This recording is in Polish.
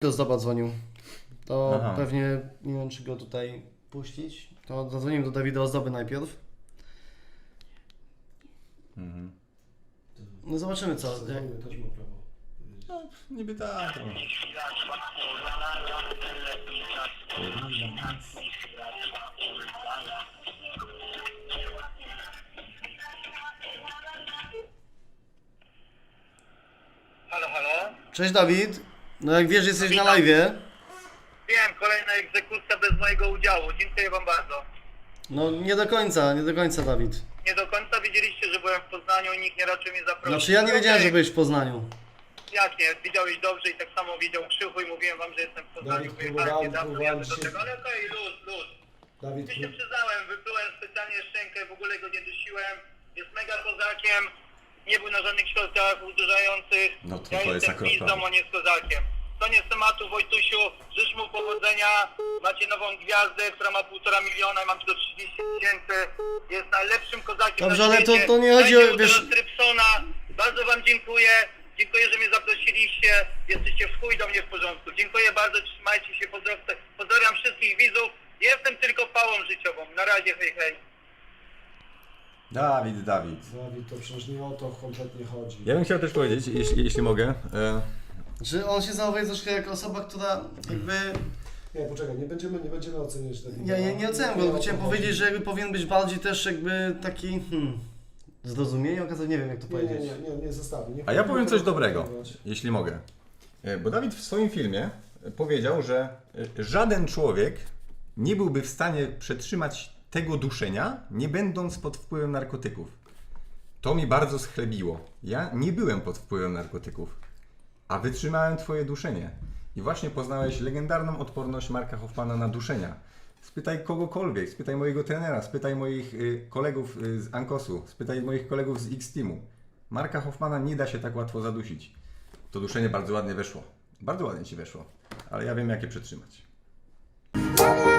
Do Zdoba dzwonił. To Aha. pewnie, nie wiem czy go tutaj puścić, to zadzwoniłem do Dawida Ozdoby najpierw. Mhm. No zobaczymy co. Jak... Też ma prawo. No, niby tak. No. Halo, halo? Cześć Dawid. No jak wiesz, jesteś na live'ie. Wiem, kolejna egzekucja bez mojego udziału. Dziękuję wam bardzo. No nie do końca Dawid. Nie do końca wiedzieliście, że byłem w Poznaniu i nikt nie raczył mnie zaprosić. Znaczy ja nie wiedziałem, że byłeś w Poznaniu. Jak nie? Widziałeś dobrze i tak samo widział Krzychu i mówiłem wam, że jestem w Poznaniu. Dawid, Wyjechałem niedawno, próbowałem jadę do dzisiaj- tego. Ale okej, luz. Dawid, Ja się przyznałem, wyplułem specjalnie szczękę, w ogóle go nie dusiłem. Jest mega kozakiem. Nie był na żadnych środkach uderzających. No to ja jest jestem akurat pizdą, prawda. on jest kozakiem. Koniec tematu, Wojtusiu. Życz mu powodzenia. Macie nową gwiazdę, która ma 1,5 miliona i mam tylko 30 000. Jest najlepszym kozakiem Dobrze, na ale świecie. to nie chodzi o, Będzie wiesz- teraz Trypsona. Bardzo wam dziękuję. Dziękuję, że mnie zaprosiliście. Jesteście w chuj do mnie w porządku. Dziękuję bardzo, trzymajcie się, pozdrawiam wszystkich widzów. Jestem tylko pałą życiową. Na razie, hej, hej. Dawid. Dawid, to przecież nie o to kompletnie chodzi. Ja bym chciał też powiedzieć, jeśli mogę. Że on się zachowuje troszkę jak osoba, która jakby... Nie, poczekaj, nie będziemy oceniać tego. Ja nie oceniam go, tylko chciałem powiedzieć, że jakby powinien być bardziej też jakby taki... Zrozumienie okazał, nie wiem jak to powiedzieć. Nie zostawię. A ja powiem coś dobrego, jeśli mogę. Bo Dawid w swoim filmie powiedział, że żaden człowiek nie byłby w stanie przetrzymać tego duszenia, nie będąc pod wpływem narkotyków. To mi bardzo schlebiło. Ja nie byłem pod wpływem narkotyków, a wytrzymałem twoje duszenie. I właśnie poznałeś legendarną odporność Marka Hoffmana na duszenia. Spytaj kogokolwiek, spytaj mojego trenera, spytaj moich kolegów z Ankosu, spytaj moich kolegów z X-Teamu. Marka Hoffmana nie da się tak łatwo zadusić. To duszenie bardzo ładnie weszło. Bardzo ładnie ci weszło, ale ja wiem jak je przetrzymać.